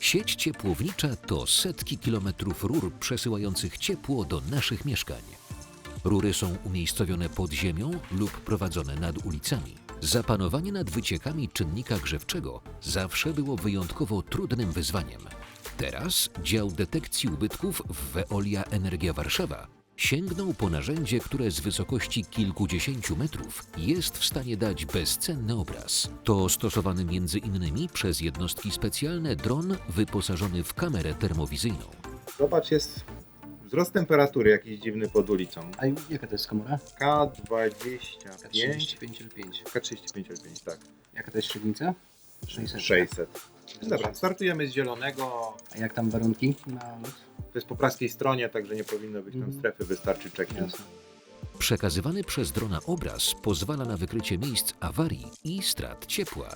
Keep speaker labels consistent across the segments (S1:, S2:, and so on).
S1: Sieć ciepłownicza to setki kilometrów rur przesyłających ciepło do naszych mieszkań. Rury są umiejscowione pod ziemią lub prowadzone nad ulicami. Zapanowanie nad wyciekami czynnika grzewczego zawsze było wyjątkowo trudnym wyzwaniem. Teraz dział detekcji ubytków w Veolia Energia Warszawa sięgnął po narzędzie, które z wysokości kilkudziesięciu metrów jest w stanie dać bezcenny obraz. To stosowany między innymi przez jednostki specjalne dron wyposażony w kamerę termowizyjną.
S2: Zobacz, jest wzrost temperatury jakiś dziwny pod ulicą.
S3: A jaka to jest komora?
S2: K25,
S3: K35L5.
S2: K35L5, tak.
S3: Jaka to jest średnica? 600.
S2: 600. Dobra, startujemy z zielonego.
S3: A jak tam warunki na lot?
S2: To jest po praskiej stronie, także nie powinno być tam
S3: Mhm.
S2: strefy, wystarczy check-in.
S3: Jasne.
S1: Przekazywany przez drona obraz pozwala na wykrycie miejsc awarii i strat ciepła.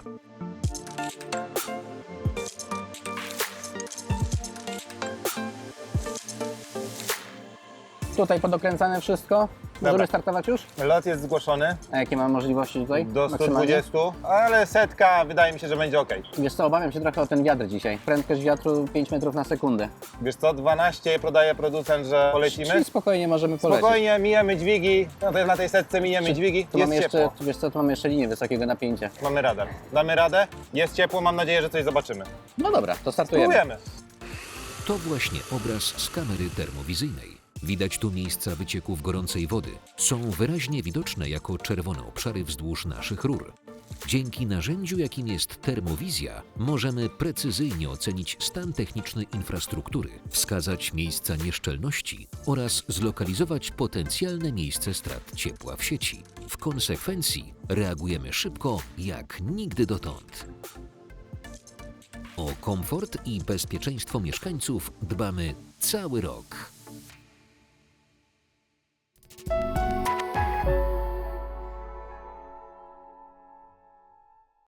S3: Tutaj podokręcane wszystko. Możemy
S4: Dobra.
S3: startować już?
S4: Lot jest zgłoszony
S3: A jakie mam możliwości tutaj?
S4: do
S3: maksymalnie?
S4: 120, ale setka wydaje mi się, że będzie ok.
S3: Wiesz co, obawiam się trochę o ten wiatr dzisiaj. Prędkość wiatru 5 metrów na sekundę.
S4: Wiesz co, 12 podaje producent, że polecimy.
S3: Czyli spokojnie możemy polecieć.
S4: Spokojnie, mijemy dźwigi, no to na tej setce mijemy dźwigi,
S3: Tu
S4: jest
S3: mamy jeszcze,
S4: ciepło.
S3: wiesz co, tu mamy jeszcze linię wysokiego napięcia.
S4: Mamy radar. Damy radę, jest ciepło, mam nadzieję, że coś zobaczymy.
S3: No dobra, to startujemy.
S4: Spróbujemy.
S1: To właśnie obraz z kamery termowizyjnej. Widać tu miejsca wycieków gorącej wody. Są wyraźnie widoczne jako czerwone obszary wzdłuż naszych rur. Dzięki narzędziu, jakim jest termowizja, możemy precyzyjnie ocenić stan techniczny infrastruktury, wskazać miejsca nieszczelności oraz zlokalizować potencjalne miejsce strat ciepła w sieci. W konsekwencji reagujemy szybko jak nigdy dotąd. O komfort i bezpieczeństwo mieszkańców dbamy cały rok.